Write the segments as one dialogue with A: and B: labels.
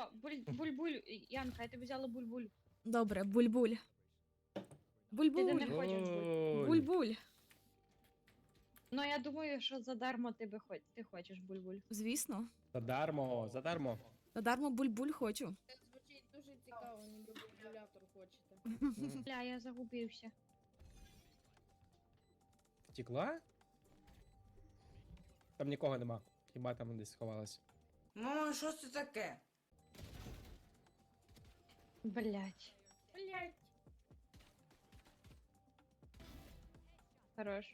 A: буль-буль, Янка, я тобі взяла буль-буль.
B: Добре, буль-буль.
A: Ти
B: Буль-буль.
A: не хочеш буль.
B: Буль-буль.
A: Ну, я думаю, що задармо ти хочеш буль-буль.
B: Звісно.
C: Задармо, задармо.
B: Задармо буль-буль хочу.
D: Це звучить дуже цікаво, ніби калькулятор хочете.
A: Бля, я загубився.
C: Втекла? Там нікого нема. Хіба там десь сховалась.
E: Мама, що це таке?
A: Блять.
D: Блять.
A: Хорош.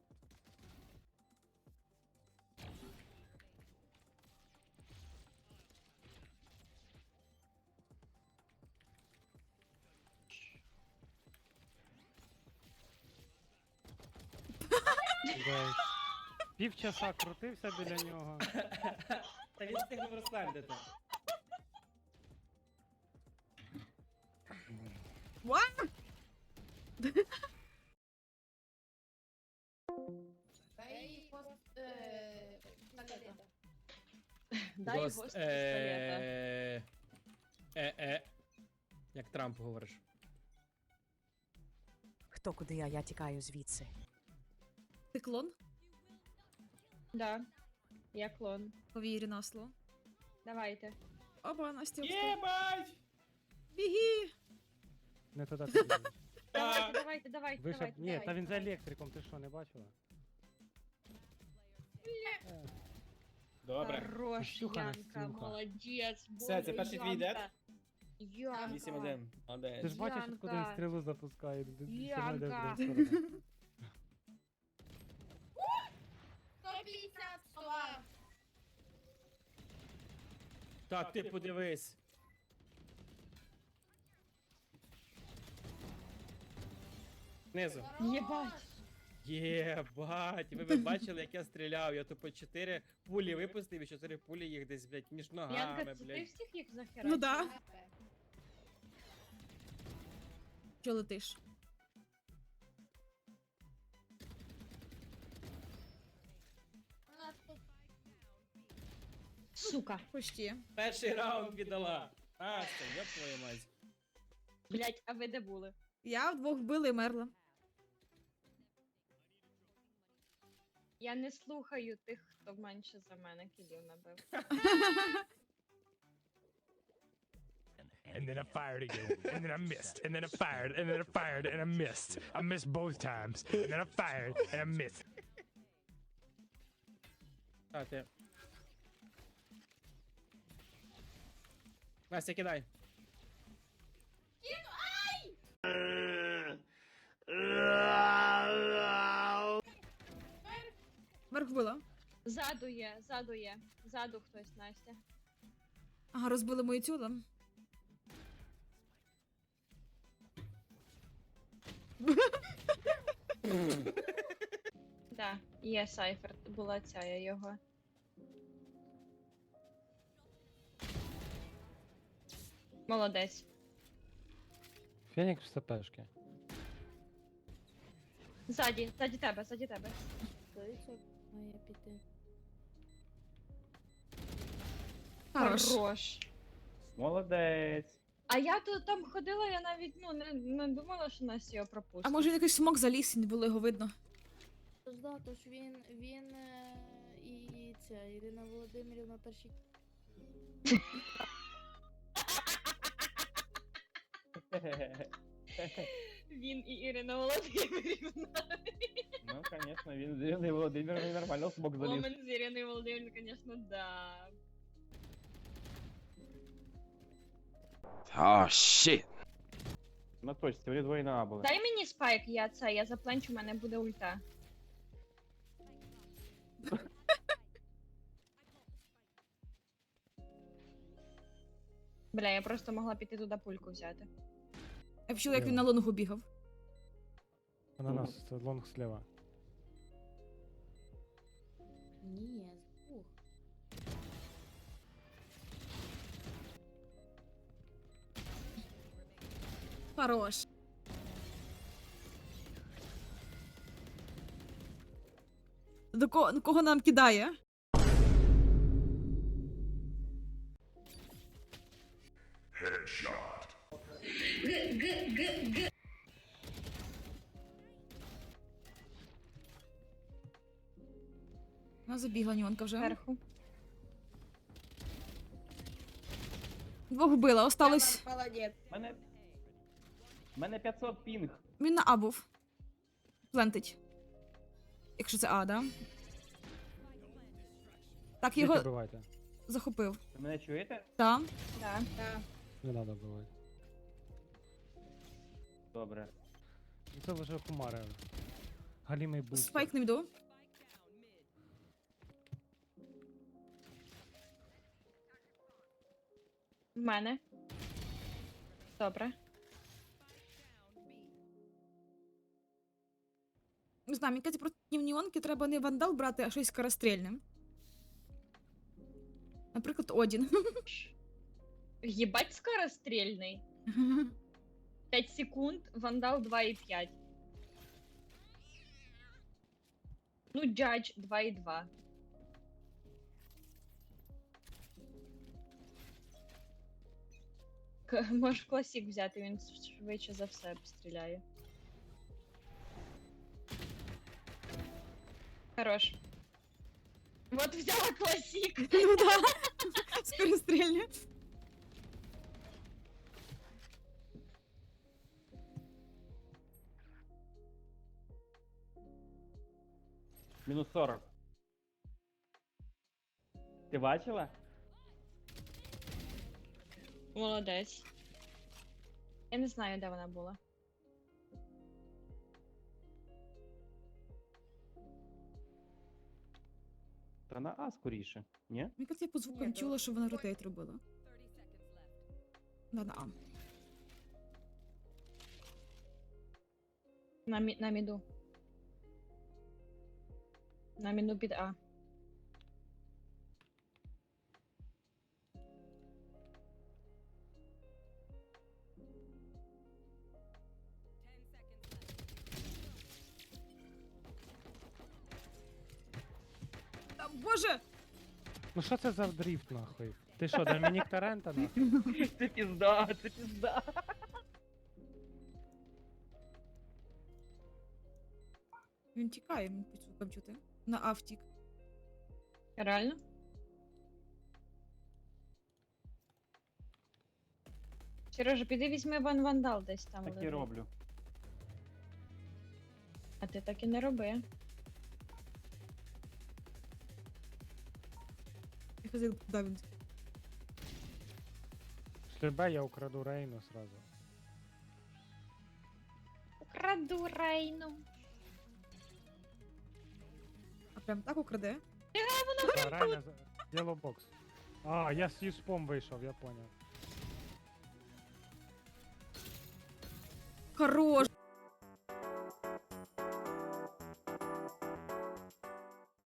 F: Жесть. Півчаса крутився біля нього.
C: Та він встигнув розслабити.
D: Та і пістолета.
A: Дай гост пістолета.
C: Як Трамп говориш.
G: Хто куди я тікаю звідси.
B: Ти клон?
A: Да. Я клон.
B: Повірю на слово.
A: Давайте.
B: Опа, Настя.
C: Єбать!
B: Біги!
F: Не туди ти біжиш.
A: Давайте.
F: Вийшов. Ні, та він за електриком, ти що, не бачила?
C: Добре.
A: Хорош,
F: Ксюха,
A: Янка,
F: Настюха.
A: молодець.
C: Все, це перший твій дед?
A: Янка.
C: 8-1.
F: Ти
C: Молодець.
F: ж бачиш,
A: Янка.
F: куди він стрілу запускає. Ти все одно йде в
A: Янка.
F: другу сторону.
D: 150 слова.
C: Та ти подивись. Знизу.
A: Єбать.
C: Єбать, ви б бачили, як я стріляв. Я тупо 4 пулі випустив і 4 пулі їх десь, блядь, між ногами,
A: Янка, це ти
C: блядь.
A: всіх їх захерачила?
B: Ну да. Що летиш?
D: У нас тут
A: Сука.
B: Почти.
C: Перший раунд віддала. А, це, я твою мать.
A: Блять, а ви де були?
B: Я вдвох вбила і мерла.
A: Я не слухаю тих, хто менше за мене кілів набив.
H: And then I fired again, and then I missed, and then I fired, and then I fired, and I missed. I missed both times, and then I fired, and I missed.
C: А, ти. Настя, кидай.
B: Верх вбила.
A: Ззаду є. Ззаду хтось, Настя.
B: Ага, розбили мою тюлу.
A: Да, є Сайфер, була ця я його. Молодець.
F: Фенікс в СПшки.
A: Ззаді тебе.
D: Стоїть, має піти.
B: Хорош.
C: Молодець.
A: А я тут там ходила, я навіть не думала, що Настя його пропустить.
B: А може він якийсь смок заліз і не було його видно.
D: Тож да, тож він і ця Ірина Володимирівна перші.
A: Він і Ірина Володимирівна.
C: Ну, конечно, він з Іриною Володимировною нормально в смок заліз.
A: Момент з Іриною Володимирівною, звісно, да.
I: Oh shit.
C: На точці, вони двоє на А були.
A: Дай мені спайк, я запленчу, у мене буде ульта. Бля, я просто могла піти туди пульку взяти.
B: Я почула, як він на лонгу бігав.
F: На нас, це лонг слева.
D: Ні, з двох.
B: Хорош. До кого нам кидає? Вона забігла Ньонка вже.
A: Зверху.
B: Двох вбила, осталось.
E: Молодець.
I: Мене 500 пінг.
B: Він на А був. Плентить. Якщо це А, да? Так,
F: Його...
B: його
F: Бивайте.
B: захопив.
I: Ви мене чуєте?
B: Так.
A: Да.
F: Не треба бивати.
I: Добре.
F: Ну, це вже хумари. Галімий буст.
B: Спайк не йду.
A: В мене. Добре.
B: Не знаю, мені кажуть, проти Ньонки треба не вандал брати, а щось скорострільне. Наприклад, Одін.
A: Єбать скорострільний. 5 секунд, вандал 2,5. Ну, джадж 2,2. Можеш класік взяти, він швидше за все стріляє. Хорош. Вот взяла класік.
B: Ну да. Скорострільне.
I: Мінус 40. Ти бачила?
A: Молодець. Я не знаю, де вона була.
I: Та на А скоріше. Ні?
B: Мені кажуть, я по звукам
A: Ні,
B: чула, що вона ротейт робила. Да, на А.
A: На міду. На міду під А.
B: Та, Боже!
F: Ну що це за дріфт, нахуй? Ти що, Домінік Тарента, нахуй?
I: Це пізда, це пізда.
B: Він тікає, мені по звукам чути. На А втік.
A: Реально? Сережа, піди візьми вандал десь там.
I: Так і
A: лежить.
I: роблю.
A: А ти так і не роби.
B: Я казав, куди він.
F: Шлюбе, я украду Рейну сразу.
A: Украду Рейну.
B: А прям так украде?
F: А, Рейна, Yellow Box. А, я з юспом вийшов, я поняв.
B: Хорош!